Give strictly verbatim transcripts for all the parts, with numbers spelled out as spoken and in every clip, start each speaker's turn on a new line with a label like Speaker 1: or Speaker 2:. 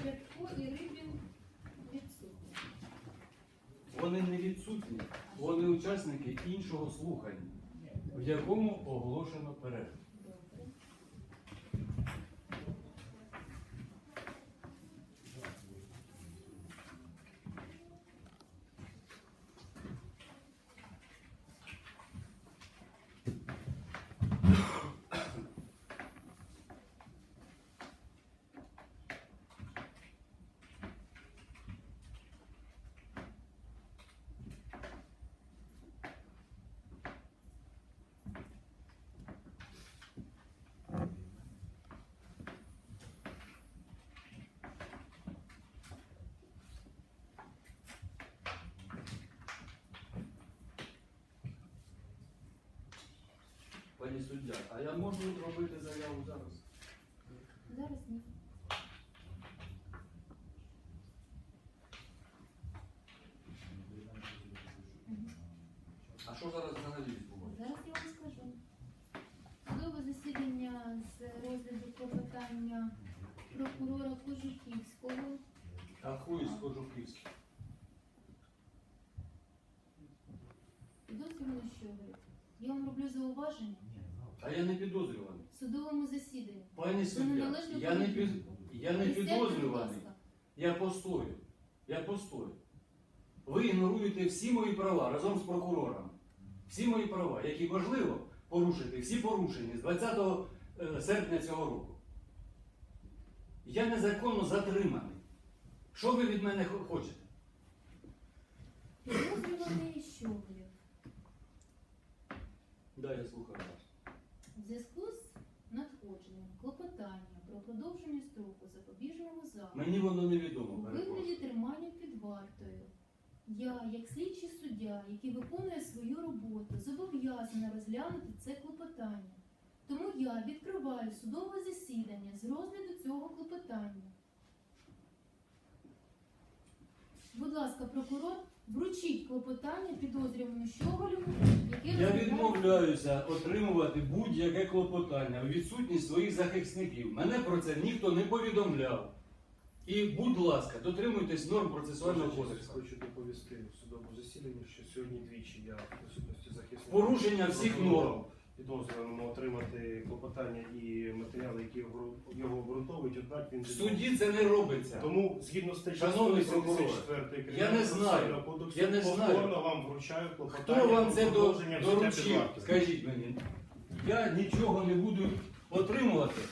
Speaker 1: Рябко і Рибін відсутні.
Speaker 2: Вони не відсутні, вони учасники іншого слухання, в якому оголошено перерву.
Speaker 1: Добре.
Speaker 2: Пані суддя, а я можу робити заяву зараз?
Speaker 1: Зараз ні.
Speaker 2: А що зараз взагалі відбувається?
Speaker 1: Зараз я вам скажу. Судове засідання з розгляду клопотання прокурора Кожухівського.
Speaker 2: А хуй з Кожухівським.
Speaker 1: Підозрювано Щоголів. Я вам роблю зауваження
Speaker 2: А я не підозрюваний.
Speaker 1: в судовому засіданні.
Speaker 2: Пані
Speaker 1: Це
Speaker 2: суддя,
Speaker 1: неналежно
Speaker 2: я не, під...
Speaker 1: поведінку.
Speaker 2: я не
Speaker 1: Присядьте, будь
Speaker 2: підозрюваний.
Speaker 1: ласка.
Speaker 2: Я постою. Я постою. Ви ігноруєте всі мої права разом з прокурором. Всі мої права, які можливо порушити, всі порушені з двадцятого серпня цього року. Я незаконно затриманий. Що ви від мене хо- хочете?
Speaker 1: Підозрюваний Щоголів.
Speaker 2: Да, я слухаю вас.
Speaker 1: В зв'язку з надходженням клопотання про продовження строку запобіжного заходу
Speaker 2: Мені воно
Speaker 1: у
Speaker 2: невідомо.
Speaker 1: вигляді
Speaker 2: перепрошую.
Speaker 1: тримання під вартою, я, як слідчий суддя, який виконує свою роботу, зобов'язана розглянути це клопотання. Тому я відкриваю судове засідання з розгляду цього клопотання. Будь ласка, прокурор, вручіть клопотання підозрюваному Щоголеву, яке
Speaker 2: Я
Speaker 1: розглядає-
Speaker 2: відмовляюся отримувати будь-яке клопотання у відсутність своїх захисників. Мене про це ніхто не повідомляв. І, будь ласка, дотримуйтесь норм процесуального кодексу.
Speaker 3: Хочу доповісти в судовому засіданні, що сьогодні двічі я в присутності захисника
Speaker 2: Порушення всіх норм.
Speaker 3: підозрюваному отримати клопотання і матеріали, які його- його обґрунтовують, однак він
Speaker 2: В суді це не робиться.
Speaker 3: Тому згідно статті
Speaker 2: Шановний
Speaker 3: сто вісімдесят чотири
Speaker 2: я не знаю.
Speaker 3: кодексу
Speaker 2: Я не знаю.
Speaker 3: повторно вам вручаю клопотання.
Speaker 2: Хто вам
Speaker 3: про
Speaker 2: це до-
Speaker 3: продовження взяття під
Speaker 2: доручив?
Speaker 3: варту.
Speaker 2: Скажіть мені. Я нічого не буду отримувати.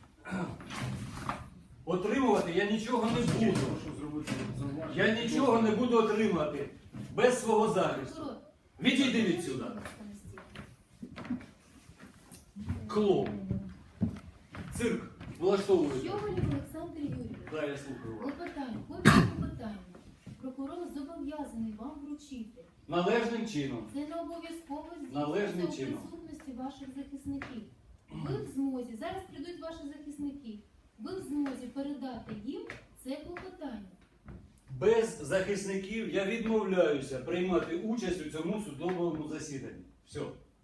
Speaker 2: Отримувати я нічого не буду.
Speaker 3: Прошу зробити зауваження.
Speaker 2: Я нічого не буду отримувати без свого захисту.
Speaker 1: Прокурор,
Speaker 2: Відійди відсюди.
Speaker 1: будь ласка, на стіл.
Speaker 2: Клоун. Цирк влаштовуєте.
Speaker 1: Щоголів Олександр Юрійович.
Speaker 2: Да, я слухаю вас.
Speaker 1: Клопотання, копію клопотання. Прокурор зобов'язаний вам вручити.
Speaker 2: Належним чином.
Speaker 1: Це не обов'язково
Speaker 2: Належним
Speaker 1: здійснюється у
Speaker 2: чином.
Speaker 1: присутності ваших захисників. Ви в змозі, зараз прийдуть ваші захисники, ви в змозі передати їм це клопотання.
Speaker 2: Без захисників я відмовляюся приймати участь у цьому судовому засіданні. Все.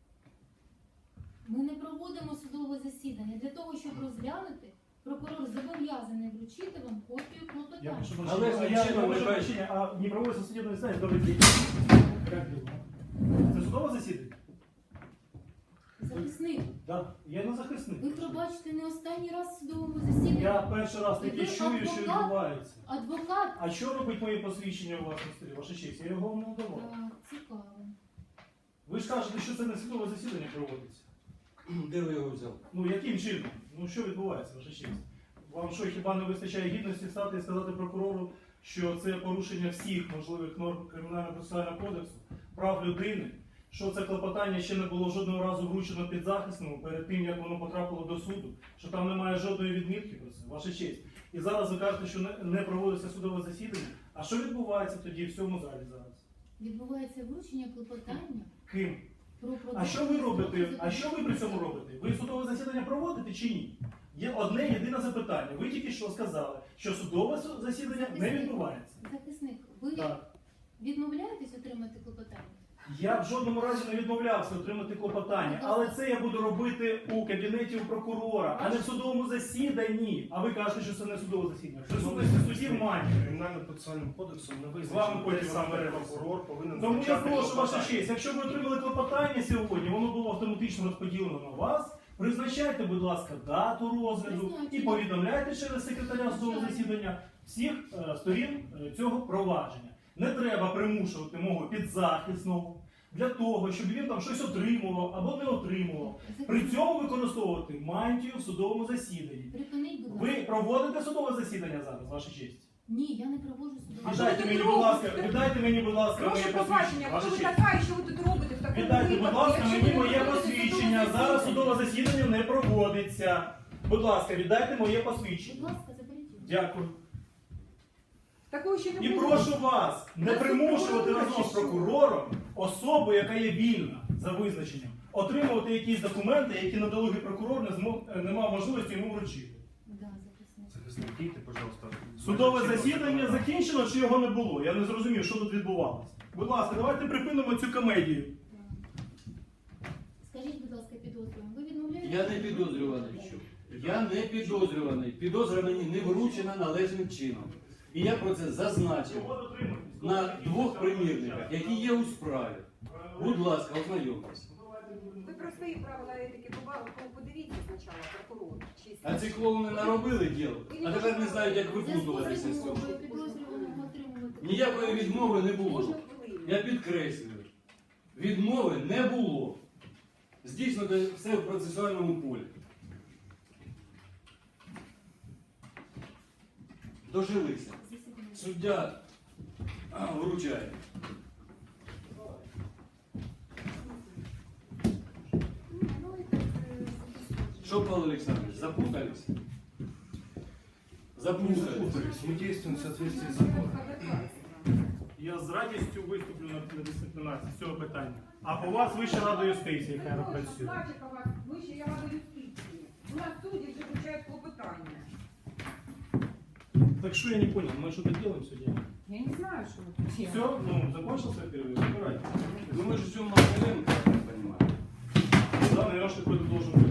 Speaker 1: Ми не проводимо судове засідання. Для того, щоб розглянути, прокурор зобов'язаний вручити вам копію
Speaker 4: Я
Speaker 1: клопотання.
Speaker 4: прошу
Speaker 2: Але
Speaker 4: прощения, а я
Speaker 2: зачем
Speaker 4: прошу
Speaker 2: вы
Speaker 4: прощения, а не проводится судебное заседание, добрый день. Как дела? Це судове засідання?
Speaker 1: Захисник,
Speaker 4: Да. Я не захисник.
Speaker 1: ви пробачите не останній раз в судовому засіданні.
Speaker 4: Я перший раз таки
Speaker 1: Ви
Speaker 4: чую, що
Speaker 1: адвокат?
Speaker 4: відбувається.
Speaker 1: Адвокат.
Speaker 4: А що робить моє посвідчення у вашому стилі? Ваша честь, я його вам не давав.
Speaker 1: Так, цікаво.
Speaker 4: Ви ж кажете, що це не судове засідання проводиться.
Speaker 2: Де ви його взяли?
Speaker 4: Ну яким чином? Ну що відбувається, ваша честь? Вам що, хіба не вистачає гідності стати і сказати прокурору, що це порушення всіх можливих норм Кримінально-процесуального кодексу, прав людини, що це клопотання ще не було жодного разу вручено підзахисному перед тим, як воно потрапило до суду, що там немає жодної відмітки про це, ваша честь. І зараз ви кажете, що не- не проводиться судове засідання. А що відбувається тоді в цьому залі зараз?
Speaker 1: Відбувається вручення клопотання
Speaker 4: Ким?
Speaker 1: про
Speaker 4: А
Speaker 1: продовження
Speaker 4: що ви робите?
Speaker 1: строку
Speaker 4: А що ви при цьому робите? Ви судове засідання проводите чи ні? Є одне єдине запитання. Ви тільки що сказали, що судове су- засідання не відбувається.
Speaker 1: Захисник, ви
Speaker 4: Так.
Speaker 1: відмовляєтесь отримати клопотання?
Speaker 4: Я в жодному разі не відмовлявся отримати клопотання, але це я буду робити у кабінеті у прокурора, а не в судовому засіданні. А ви кажете, що це не судове засідання. В присутності судді має.
Speaker 3: Кримінально-процесуальним кодексом не
Speaker 4: З вами
Speaker 3: визначено, де
Speaker 4: потім
Speaker 3: саме
Speaker 4: розберемося.
Speaker 3: прокурор повинен
Speaker 4: Тому я
Speaker 3: визначати
Speaker 4: прошу ваша
Speaker 3: клопотання.
Speaker 4: честь, якщо ви отримали клопотання сьогодні, воно було автоматично розподілено на вас. Призначайте, будь ласка, дату розгляду і повідомляйте через секретаря судового засідання всіх е, сторін е, цього провадження. Не треба примушувати мого підзахисного для того, щоб він там щось отримував або не отримував. При цьому використовувати мантію в судовому засіданні.
Speaker 1: Припиніть, будь
Speaker 4: Ви
Speaker 1: ласка.
Speaker 4: проводите судове засідання зараз, ваша честь?
Speaker 1: Ні, я не проводжу судове.
Speaker 5: А що
Speaker 4: Віддайте
Speaker 5: ви
Speaker 4: мені,
Speaker 5: тут
Speaker 4: будь ласка,
Speaker 5: робите?
Speaker 4: віддайте мені, будь ласка,
Speaker 5: Прошу
Speaker 4: моє
Speaker 5: побачення,
Speaker 4: посвідчення.
Speaker 5: хто
Speaker 4: Ваша
Speaker 5: ви
Speaker 4: честь.
Speaker 5: така і що ви тут робите в такому
Speaker 4: Віддайте, будь
Speaker 5: випадку,
Speaker 4: ласка,
Speaker 5: якщо
Speaker 4: мені
Speaker 5: ви
Speaker 4: моє
Speaker 5: проводите
Speaker 4: посвідчення.
Speaker 5: судове
Speaker 4: Зараз
Speaker 5: засідання?
Speaker 4: судове засідання не проводиться. Будь ласка, віддайте моє
Speaker 1: Будь
Speaker 4: посвідчення.
Speaker 1: ласка, заберіть його.
Speaker 4: Дякую.
Speaker 5: Такого ще не
Speaker 4: І
Speaker 5: було.
Speaker 4: прошу вас не
Speaker 5: Нас
Speaker 4: примушувати
Speaker 5: прокурор
Speaker 4: разом з
Speaker 5: чи що?
Speaker 4: прокурором особу, яка є вільна за визначенням, отримувати якісь документи, які надалугий прокурор не, змог, не мав можливості йому вручити.
Speaker 1: Да, захисник.
Speaker 3: Захисник, дійте, пожалуйста.
Speaker 4: Судове
Speaker 3: Чинного
Speaker 4: засідання
Speaker 3: законодавства.
Speaker 4: закінчено чи його не було? Я не зрозумів, що тут відбувалося. Будь ласка, давайте припинимо цю комедію.
Speaker 1: Так. Скажіть, будь ласка, підозрюваний, ви відмовляєте?
Speaker 2: Я не підозрюваний. Я не підозрюваний. Підозра мені не вручена належним чином. І я про це зазначив
Speaker 4: Чого дотримуєтесь?
Speaker 2: на двох примірниках, які є у справі. Будь ласка, ознайомтесь.
Speaker 5: Ви про свої правила етики побачили, подивіться спочатку прокурор. Чи
Speaker 2: А ці клоуни наробили діло, а тепер не знають, як
Speaker 1: В зв'язку з
Speaker 2: випутуватися з цього.
Speaker 1: відмовою підозрюваного отримувати.
Speaker 2: Ніякої відмови не було.
Speaker 5: Можна хвилину?
Speaker 2: Я підкреслюю, відмови не було. Здійснено все в процесуальному полі. Дожилися.
Speaker 1: Засідання.
Speaker 2: Суддя а, вручає.
Speaker 5: Ні, ну і так, е,
Speaker 2: Що, Павло Олександрович, запутались? Запутались.
Speaker 3: Мы действуем в соответствии с
Speaker 5: ну,
Speaker 3: законом.
Speaker 4: Я з радістю виступлю на дисциплінації з цього питання. А по вас Вища рада юстиції, яка не працює.
Speaker 5: Значить, у вас вища я рада юстиції. У нас судді вже вручають клопотання.
Speaker 4: Так что я не понял, мы что-то делаем сегодня?
Speaker 5: Я не знаю, що ви тут
Speaker 4: Все,
Speaker 5: делаете.
Speaker 4: ну, закончился перерыв, забирайте.
Speaker 2: Ну мы же в чем мы я так понимаю.
Speaker 4: Да, наверное, какой-то должен быть